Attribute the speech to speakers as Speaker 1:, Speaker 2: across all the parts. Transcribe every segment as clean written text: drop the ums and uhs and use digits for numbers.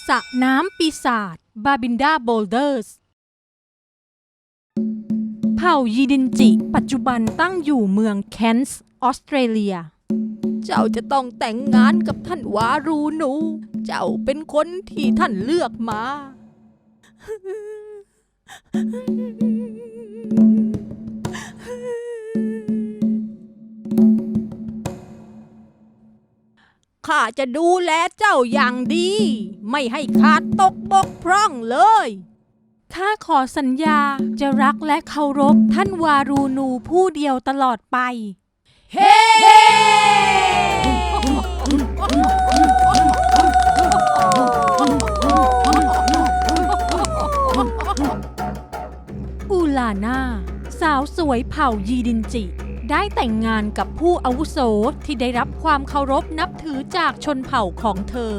Speaker 1: สระน้ำปีศาจบาบินดาโบลเดอร์สเผ่ายีดินจิปัจจุบันตั้งอยู่เมืองแคนส์ออสเตรเลียเจ้าจะต้องแต่งงานกับท่านวารูนูเจ้าเป็นคนที่ท่านเลือกมาข้าจะดูแลเจ้าอย่างดีไม่ให้ขาดตกบกพร่องเลยข้าขอสัญญาจะรักและเคารพท่านวารูนูผู้เดียวตลอดไปเฮ้อูลาน่าสาวสวยเผ่ายีดินจิได้แต่งงานกับผู้อาวุโสที่ได้รับความเคารพนับถือจากชนเผ่าของเธอ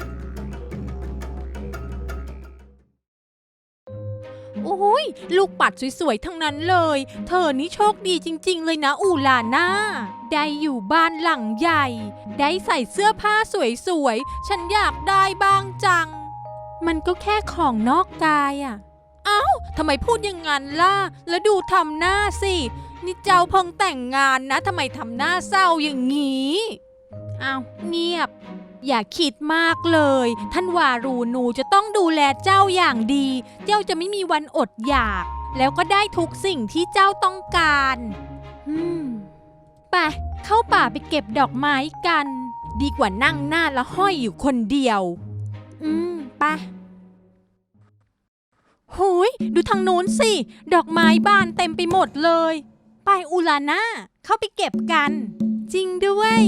Speaker 1: โอ้ยลูกปัดสวยๆทั้งนั้นเลยเธอนี่โชคดีจริงๆเลยนะอูลาน่าได้อยู่บ้านหลังใหญ่ได้ใส่เสื้อผ้าสวยๆฉันอยากได้บ้างจังมันก็แค่ของนอกกายอะเอ้าทำไมพูดอย่างนั้นล่ะแล้วดูทำหน้าสินี่เจ้าเพิ่งแต่งงานนะทำไมทำหน้าเศร้าอย่างนี้อ้าวเงียบอย่าคิดมากเลยท่านวารูนูจะต้องดูแลเจ้าอย่างดีเจ้าจะไม่มีวันอดอยากแล้วก็ได้ทุกสิ่งที่เจ้าต้องการไปเข้าป่าไปเก็บดอกไม้กันดีกว่านั่งหน้าละห้อยอยู่คนเดียวไปหูยดูทางนู้นสิดอกไม้บานเต็มไปหมดเลยไปอูลาน่าเข้าไปเก็บกันจริงด้วย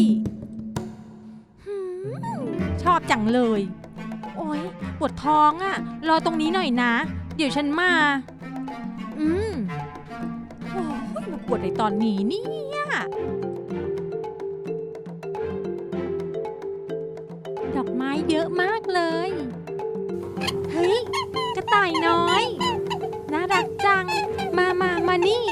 Speaker 1: ชอบจังเลยโอ๊ยปวดท้องอ่ะรอตรงนี้หน่อยนะเดี๋ยวฉันมาโอ้ยมาปวดในตอนนี้เนี่ยดอกไม้เยอะมากเลยเฮ้ยกระต่ายน้อยน่ารักจังมานี่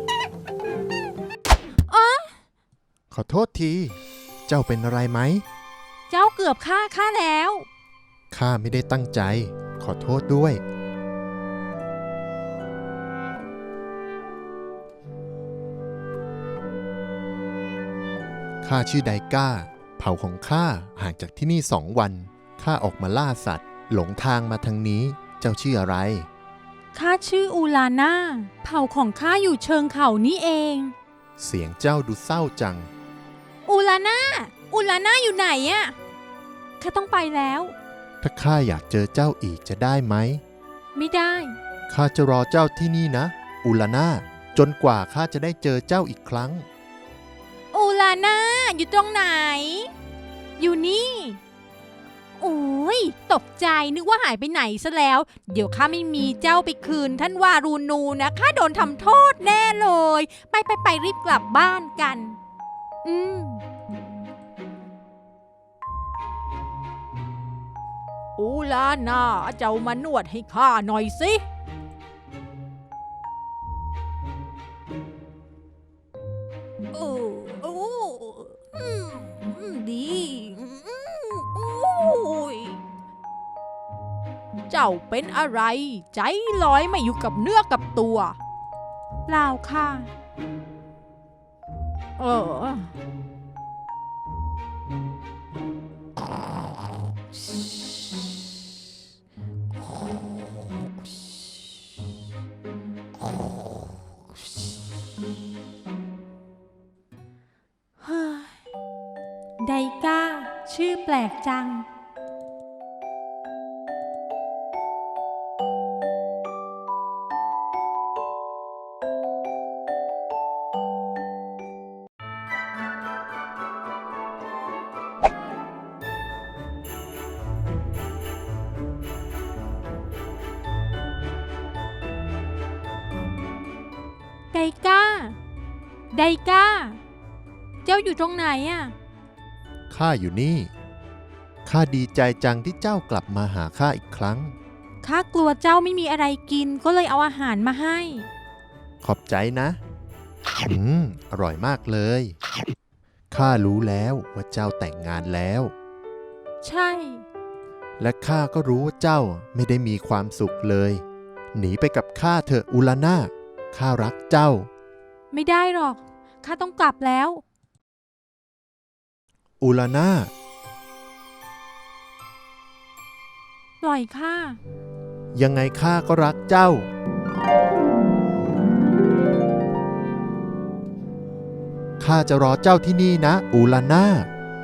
Speaker 2: ขอโทษทีเจ้าเป็นอะไรไหม
Speaker 1: เจ้าเกือบฆ่าข้าแล้ว
Speaker 2: ข้าไม่ได้ตั้งใจขอโทษด้วยข้าชื่อไดก้าเผ่าของข้าห่างจากที่นี่2 วันข้าออกมาล่าสัตว์หลงทางมาทางนี้เจ้าชื่ออะไร
Speaker 1: ข้าชื่ออูลาน่าเผ่าของข้าอยู่เชิงเขานี่เอง
Speaker 2: เสียงเจ้าดูเศร้าจัง
Speaker 1: อูลาน่าอยู่ไหนอะข้าต้องไปแล้ว
Speaker 2: ถ้าข้าอยากเจอเจ้าอีกจะได้ไหม
Speaker 1: ไม่ได้
Speaker 2: ข้าจะรอเจ้าที่นี่นะอูลาน่าจนกว่าข้าจะได้เจอเจ้าอีกครั้ง
Speaker 1: อูลาน่าอยู่ตรงไหนอยู่นี่โอ้ยตกใจนึกว่าหายไปไหนซะแล้วเดี๋ยวข้าไม่มีเจ้าไปคืนท่านวารูนูนะข้าโดนทำโทษแน่เลยไปรีบกลับบ้านกันอูลาน่าเจ้ามานวดให้ข้าหน่อยสิดีเจ้าเป็นอะไรใจลอยไม่อยู่กับเนื้อกับตัวเปล่าค่ะไดก้าชื่อแปลกจังไดก้าเจ้าอยู่ตรงไหนอ่ะ
Speaker 2: ข้าอยู่นี่ข้าดีใจจังที่เจ้ากลับมาหาข้าอีกครั้ง
Speaker 1: ข้ากลัวเจ้าไม่มีอะไรกินก็เลยเอาอาหารมาให้
Speaker 2: ขอบใจนะอร่อยมากเลยข้ารู้แล้วว่าเจ้าแต่งงานแล้ว
Speaker 1: ใช่
Speaker 2: และข้าก็รู้ว่าเจ้าไม่ได้มีความสุขเลย หนีไปกับข้าเถอะอูลาน่าข้ารักเจ้า
Speaker 1: ไม่ได้หรอกข้าต้องกลับแล้ว
Speaker 2: อูลาน่า
Speaker 1: ปล่อยข้า
Speaker 2: ยังไงข้าก็รักเจ้า ข้าจะรอเจ้าที่นี่นะอูลาน่า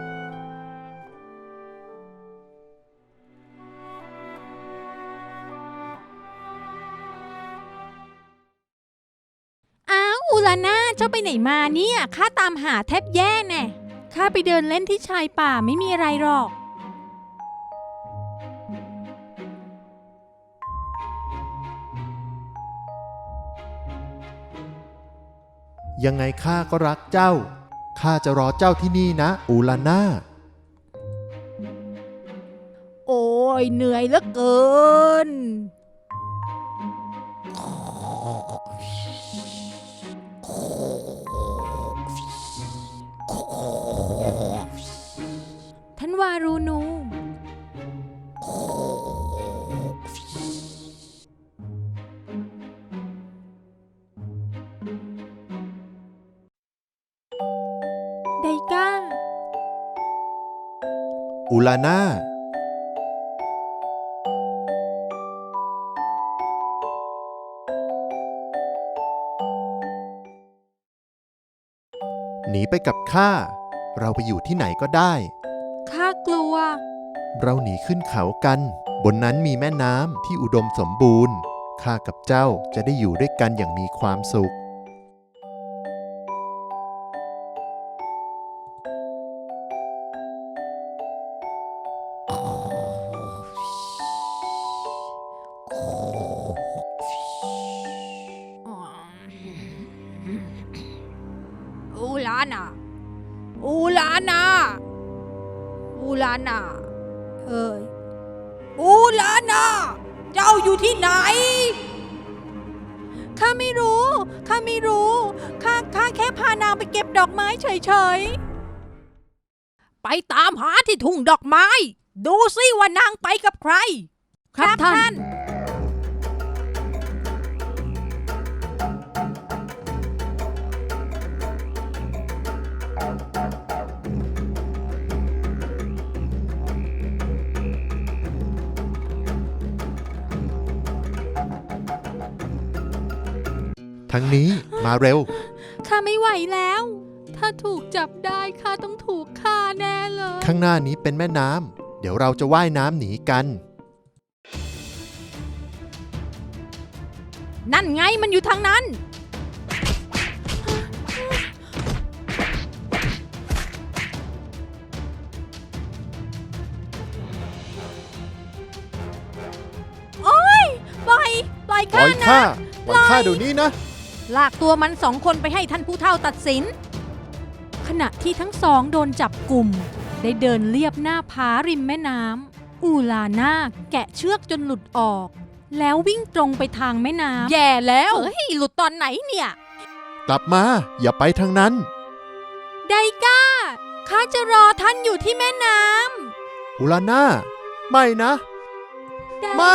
Speaker 1: อ้าวอูลาน่าเจ้าไปไหนมาเนี่ยข้าตามหาแทบแย่แน่ข้าไปเดินเล่นที่ชายป่าไม่มีอะไรหรอก
Speaker 2: ยังไงข้าก็รักเจ้า ข้าจะรอเจ้าที่นี่นะอูลาน่า
Speaker 1: โอ้ยเหนื่อยเหลือเกิน ท่านวารูนูไดก้า
Speaker 2: อูลาน่า หนีไปกับข้า เราไปอยู่ที่ไหนก็ได้
Speaker 1: ข้ากลัว
Speaker 2: เราหนีขึ้นเขากัน บนนั้นมีแม่น้ำที่อุดมสมบูรณ์ ข้ากับเจ้าจะได้อยู่ด้วยกันอย่างมีความสุข
Speaker 1: อูลาน่า อูลาน่า อูลาน่า เอ้ย อูลาน่า เจ้าอยู่ที่ไหน ข้าไม่รู้ ข้าไม่รู้ ข้าแค่พานางไปเก็บดอกไม้เฉยๆ ไปตามหาที่ทุ่งดอกไม้ ดูสิว่านางไปกับใคร ครับท่าน
Speaker 2: ทั้งนี้มาเร็ว
Speaker 1: ข้าไม่ไหวแล้ว ถ้าถูกจับได้ข้าต้องถูกฆ่าแน่เลย
Speaker 2: ข้างหน้านี้เป็นแม่น้ำ เดี๋ยวเราจะว่ายน้ำหนีกัน
Speaker 1: นั่นไงมันอยู่ทางนั้น โอ๊ย ปล่อย
Speaker 2: ปล่
Speaker 1: ข้า
Speaker 2: อย
Speaker 1: นะ
Speaker 2: ข้า ปล่อยข้าเดี๋ยวนี้นะ
Speaker 1: ลากตัวมันสองคนไปให้ท่านผู้เฒ่าตัดสิน ขณะที่ทั้งสองโดนจับกลุ่ม ได้เดินเลียบหน้าผาริมแม่น้ำ อูลาน่าแกะเชือกจนหลุดออก แล้ววิ่งตรงไปทางแม่น้ำ แย่แล้ว เฮ้ย หลุดตอนไหนเนี่ย
Speaker 2: กลับมา อย่าไปทางนั้น
Speaker 1: ไดก้า ข้าจะรอท่านอยู่ที่แม่น้
Speaker 2: อูลาน่า ไม่นะ
Speaker 1: ำ
Speaker 2: ไม่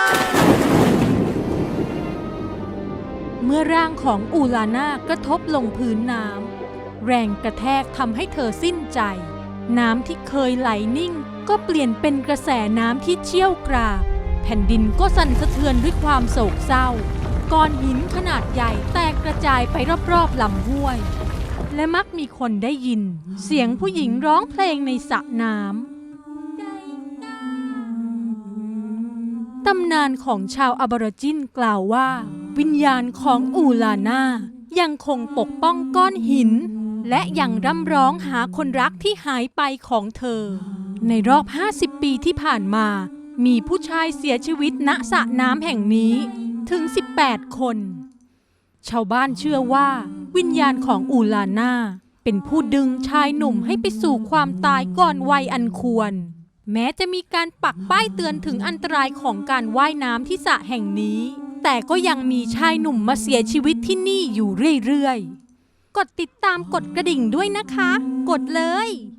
Speaker 1: เมื่อร่างของอูลาน่ากระทบลงพื้นน้ำ แรงกระแทกทำให้เธอสิ้นใจ น้ำที่เคยไหลนิ่ง ก็เปลี่ยนเป็นกระแสน้ำที่เชี่ยวกราก แผ่นดินก็สั่นสะเทือนด้วยความโศกเศร้า ก้อนหินขนาดใหญ่แตกกระจายไปรอบๆลำห้วย และมักมีคนได้ยิน เสียงผู้หญิงร้องเพลงในสระน้ำ ตำนานของชาวอบอริจินกล่าวว่า วิญญาณของอูลาน่ายังคงปกป้องก้อนหิน และยังร่ำร้องหาคนรักที่หายไปของเธอ ในรอบ 50 ปีที่ผ่านมา มีผู้ชายเสียชีวิตณสระน้ำแห่งนี้ถึง 18 คน ชาวบ้านเชื่อว่า วิญญาณของอูลาน่าเป็นผู้ดึงชายหนุ่มให้ไปสู่ความตายก่อนวัยอันควร แม้จะมีการปักป้ายเตือนถึงอันตรายของการว่ายน้ำที่สระแห่งนี้ แต่ก็ยังมีชายหนุ่มมาเสียชีวิตที่นี่อยู่เรื่อยๆ กดติดตามกดกระดิ่งด้วยนะคะ กดเลย